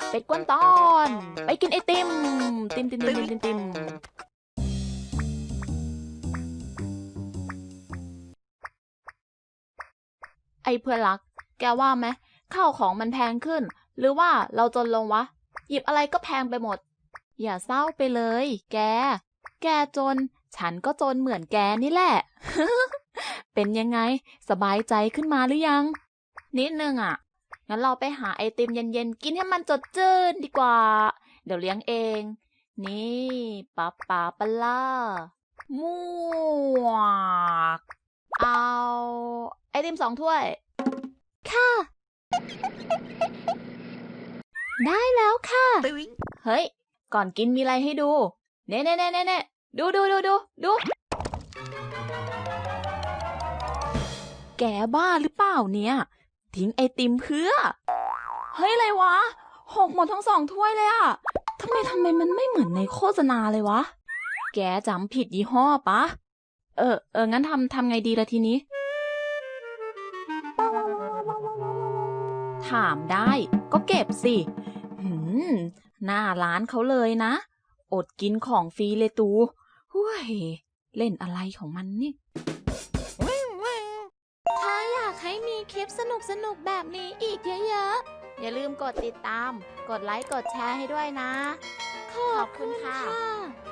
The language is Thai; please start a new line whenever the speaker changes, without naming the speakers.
เป็ดกวนตอนไปกินไอติมติมติมติมติมติมติมไอเพื่อนรักแกว่าไหมข้าวของมันแพงขึ้นหรือว่าเราจนลงวะหยิบอะไรก็แพงไปหมดอย่าเศร้าไปเลยแกจนฉันก็จนเหมือนแกนี่แหละ เป็นยังไงสบายใจขึ้นมาหรือยังนิดนึงอ่ะงั้นเราไปหาไอติมเย็นๆกินให้มันสดชื่นดีกว่าเดี๋ยวเลี้ยงเองนี่ป๊าป๊าปะล่ามั่วกเอาไอติม2 ถ้วยค่ะได้แล้วค่ะเฮ้ยก่อนกินมีอะไรให้ดูเน่ดูแกบ้าหรือเปล่าเนี่ยทิ้งไอติมเพื่อเฮ้ยอะไรวะหกหมดทั้ง2 ถ้วยเลยอะทำไมมันไม่เหมือนในโฆษณาเลยวะแกจำผิดยี่ห้อปะงั้นทำไงดีล่ะทีนี้ถามได้ก็เก็บสิหน้าร้านเขาเลยนะอดกินของฟรีเลยตูหุ้ยเล่นอะไรของมันนี่ถ้าอยากให้มีคลิปสนุกแบบนี้อีกเยอะๆอย่าลืมกดติดตามกดไลค์กดแชร์ให้ด้วยนะขอบคุณค่ะ